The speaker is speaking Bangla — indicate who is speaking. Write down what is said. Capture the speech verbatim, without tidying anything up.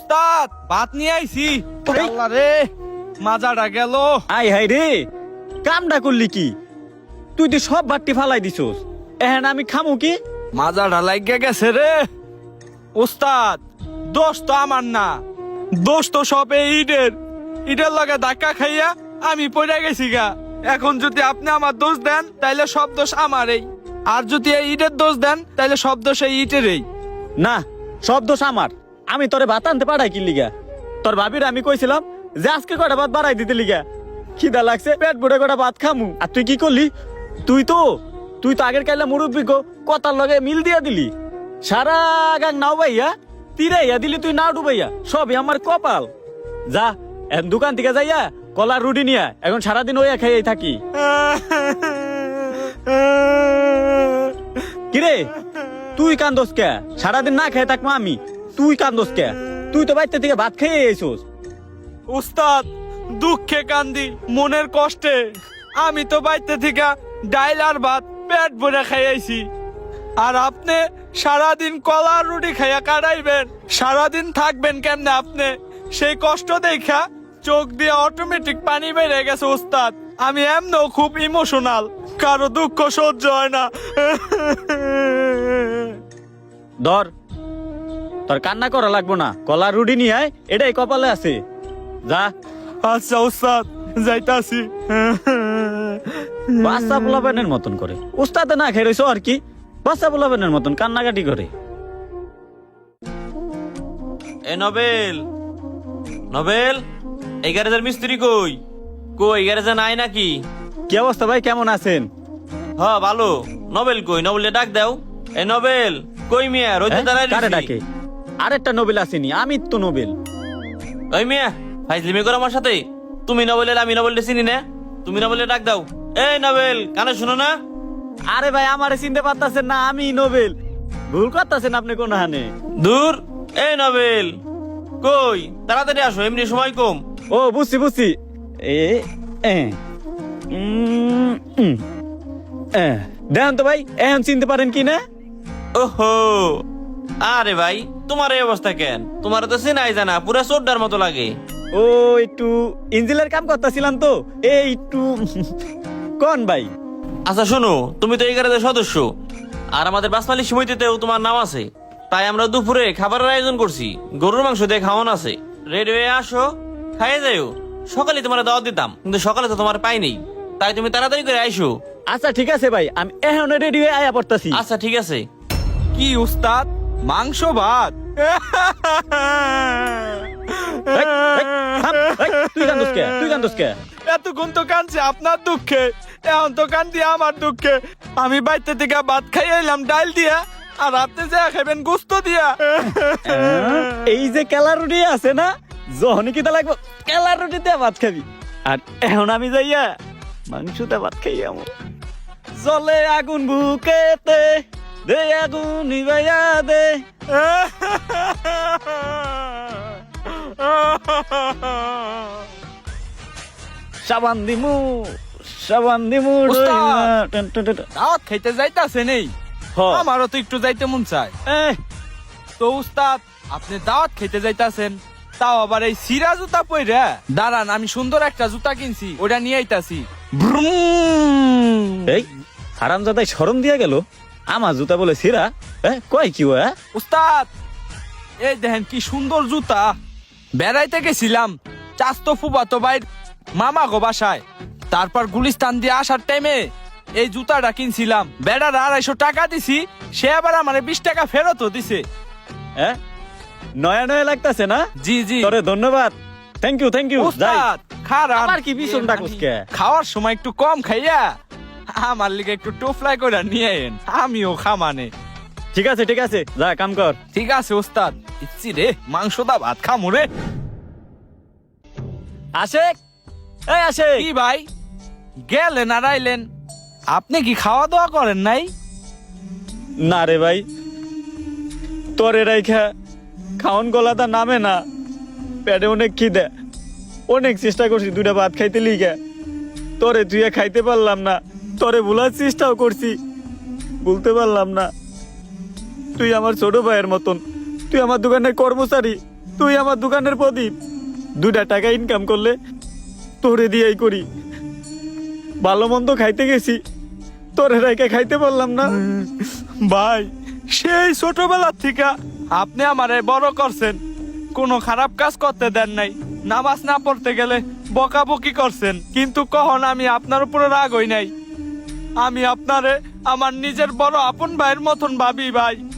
Speaker 1: উস্তাদ ভাত নিয়ে আইছি। আল্লাহ রে মাজাটা গেল।
Speaker 2: আই হাই রে, কামটা করলি কি? তুই তো সব বাট্টি ফালাই দিছস, এখন আমি খামু কি?
Speaker 1: মাজাটা লাগিয়ে গেছে রে। উস্তাদ দোষ তো আমার না, দোষ তো সব এই ইটের। ইটের লগে ধাক্কা খাইয়া আমি পড়ে গেছি গা। এখন যদি আপনি আমার দোষ দেন তাইলে সব দোষ আমারই, আর যদি এই ইটের দোষ দেন তাইলে সব দোষ এই ইটেরই।
Speaker 2: না, সব দোষ আমার। আমি তোরে ভাত আনতে পাঠাই কি লিগা? তোর ভাবির আমি কইছিলাম যে আজকে কটা ভাত বাড়াই দিতে লিগা। খিদা লাগছে, পেট ভরে কটা ভাত খামু, আর তুই কি করলি? তুই তো তুই তো আগের কাইলা মুরব্বী গো কথার লগে মিল দিয়া দিলি। সারা গাং নাও ভাইয়া তিরাইয়া দিলি, তুই নাও ডুবাইয়া। সবই আমার কপাল। যা এখন দোকান থেকে যাইয়া কলার রুটি নিয়া এখন সারাদিন ওইয়া খাইয়াই থাকি। কিরে তুই কান্দোস কে? সারাদিন না খেয়ে থাকবো আমি, তুই কান্দোস কে? তুই তো বাইতে থেকে ভাত খেয়ে এসোস।
Speaker 1: উস্তাদ দুঃখে কান্দি মনের কষ্টে। আমি তো বাইতে থেকে ডাইল আর ভাত পেট ভরে খাইয়াইছি, আর আপনি সারাদিন কলা রুটি খাইয়া কাটাইবেন। সারাদিন থাকবেন কেমনে আপনি? সেই কষ্ট দেখা চোখ দিয়ে অটোমেটিক পানি বেড়ে গেছে উস্তাদ। আমি এমনও খুব ইমোশনাল, কারো দুঃখ সহ্য হয় না।
Speaker 2: ধর, তোর কান্না করা লাগবো না, কলার রুটি নিয়ে আয়, এটাই কপালে আছে। যা।
Speaker 1: আচ্ছা উস্তাদ যাইতাছি।
Speaker 2: বাচ্চা পোলাপানের মতন করে উস্তাদে না খেয়ে রইছো আর কি, বাচ্চা পোলাপানের মতন কান্নাকাটি করে।
Speaker 3: এ নবেল, নবেল, এই গ্যারেজের মিস্ত্রি কই? কই গ্যারেজে নাই নাকি?
Speaker 2: কি অবস্থা ভাই, কেমন আছেন?
Speaker 3: হ ভালো। নবেল কই? নবেলে ডাক দাও। এ নবেল কই মিয়া? রোজে দাঁড়াই
Speaker 2: কারে
Speaker 3: রইছি।
Speaker 2: ডাকে? আরেকটা নোবেল আসেনি, আমি তো নোবেল।
Speaker 3: ওই মিয়া ফাইজলিমি করো আমার সাথে। তুমি নবেলের, আমি নবেলটা চিনি না। তুমি নবেলে ডাক দাও। এই নবেল কানে শুনো না?
Speaker 2: আরে ভাই আমারে চিনতে পারতাছেন না, আমি নোবেল। ভুল করতেছেন আপনি কোন হানে।
Speaker 3: দূর। এই নবেল কই? তাড়াতাড়ি আসো, এমনি সময় কম।
Speaker 2: ও বুঝছি বুঝছি। এ এ উম, উম, এ, দেখেন তো ভাই এখন চিনতে পারেন কি না?
Speaker 3: ওহো, আরে ভাই তোমার এই অবস্থা কেন? তোমার তো চেনাই জানা, পুরা চোরটার মতো লাগে।
Speaker 2: ও একটু ইঞ্জিনের কাম করতেছিলাম তো, এই একটু কোন ভাই।
Speaker 3: আচ্ছা শোনো, তুমি তো এই গ্যারেজের সদস্য, আর আমাদের বাসমালি সমিতিতেও তোমার নাম আছে। তাই আমরা দুপুরে খাবারের আয়োজন করছি, গরুর মাংস দিয়ে খাওয়ানো আছে। রেডি হয়ে আসো, খাইয়ে যাইও। সকালে তোমার দাওয়াত দিতাম, কিন্তু সকালে তো তোমার পাই নেই। তাই তুমি তাড়াতাড়ি করে আইসো।
Speaker 2: আচ্ছা ঠিক আছে ভাই, আমি এখন রেডি হয়ে আয়া পড়তাছি।
Speaker 3: আচ্ছা ঠিক আছে।
Speaker 1: কি উস্তাদ মাংস ভাত?
Speaker 2: এই, এই, থাম, এই, তুই কান্দোস কে? তুই কান্দোস কে?
Speaker 1: এতক্ষণ তো কানছে আপনার দুঃখে, এখন তো কান্দি আমার দুঃখে। আমি বাইতে থেকে ভাত খাই এলাম ডাল দিয়া, আর আপনি যা খাইবেন গোস্ত দিয়া।
Speaker 2: এই যে কেলা রুটি আছে না, যখনই কিতা লাগবো কেলা রুটিতে ভাত খাবি, আর এখন আমি যাইয়া মাংসতে ভাত খাই। আমার জলে আগুন বুকেতে দে, আগুন নিবাইয়া দে। সাবান দিমু, সাবান দিমু।
Speaker 1: উস্তাদ।
Speaker 2: টন টন টন।
Speaker 1: দাওয়াত খাইতে যাইতাছে নেই?
Speaker 2: হ।
Speaker 1: আমারও তো একটু যাইতে মন চায়।
Speaker 2: এহ,
Speaker 1: তো উস্তাদ আপনি দাওয়াত খেতে যাইতাছেন, তাও আবার এই সিরা জুতা পইরা? দাঁড়ান, আমি সুন্দর একটা জুতা কিনছি, ওটা নিয়ে আইতাছি।
Speaker 2: এই হারামজাদাই শরম দিয়া গেল, আমার জুতা বলে সিরা। এহ, কয় কি ও? এহ?
Speaker 1: উস্তাদ এই দেখেন কি সুন্দর জুতা। বেড়াইতে গেছিলাম চাস্তো ফুবাতো ভাই মামা গো বাসায়, তারপর গুলিস্তান দিয়ে আসার টাইমে এই জুতাটা কিনছিলাম। বেড়ার আড়াইশো টাকা দিছি, সে আবার আমার বিশ টাকা ফেরতও দিছে।
Speaker 2: হ্যাঁ, নয়া নয়া লাগতাছে না?
Speaker 1: জি জি
Speaker 2: তোরে ধন্যবাদ, থ্যাংক ইউ থ্যাংক ইউ।
Speaker 1: উস্তাদ খারাপ
Speaker 2: আবার কি ভীষণ ডাকুস কে?
Speaker 1: খাওয়ার সময় একটু কম খাইয়া আমার লিগে একটু টোফলাই করে নিয়ে এন, আমিও খামানে।
Speaker 2: ঠিক আছে ঠিক আছে, যা কাম কর।
Speaker 1: ঠিক আছে উস্তাদ, ইচ্ছি রে মাংস দা ভাত খামু রে।
Speaker 2: আশেক, এই আশেক।
Speaker 1: কি ভাই গেলেন আর আইলেন? আপনি কি খাওয়া দাওয়া করেন নাই?
Speaker 2: না রে ভাই, তোরে রাইখা খাওন গলাটা নামে না, পেটে অনেক খিদে, অনেক চেষ্টা করছি দুটা ভাত খাইতে লিগা, তোরে তুই খাইতে পারলাম না। তোরে ভুলার চেষ্টাও করছি, বলতে পারলাম না। তুই আমার ছোট ভাইয়ের মতন, তুই আমার দোকানের কর্মচারী, তুই আমার দোকানের প্রদীপ, দুইটা টাকা ইনকাম করলে তোরে দিয়েই করি। ভালো মন্দ খাইতে গেছি, তোরে রাইকে খাইতে বললাম না।
Speaker 1: ভাই সেই ছোটবেলার থেকে আপনি আমারে বড় করছেন, কোনো খারাপ কাজ করতে দেন নাই, নামাজ না পড়তে গেলে বকাবকি করছেন, কিন্তু কখন আমি আপনার উপরে রাগ হই নাই। আমি আপনারে আমার নিজের বড় আপন ভাইয়ের মতন ভাবি ভাই।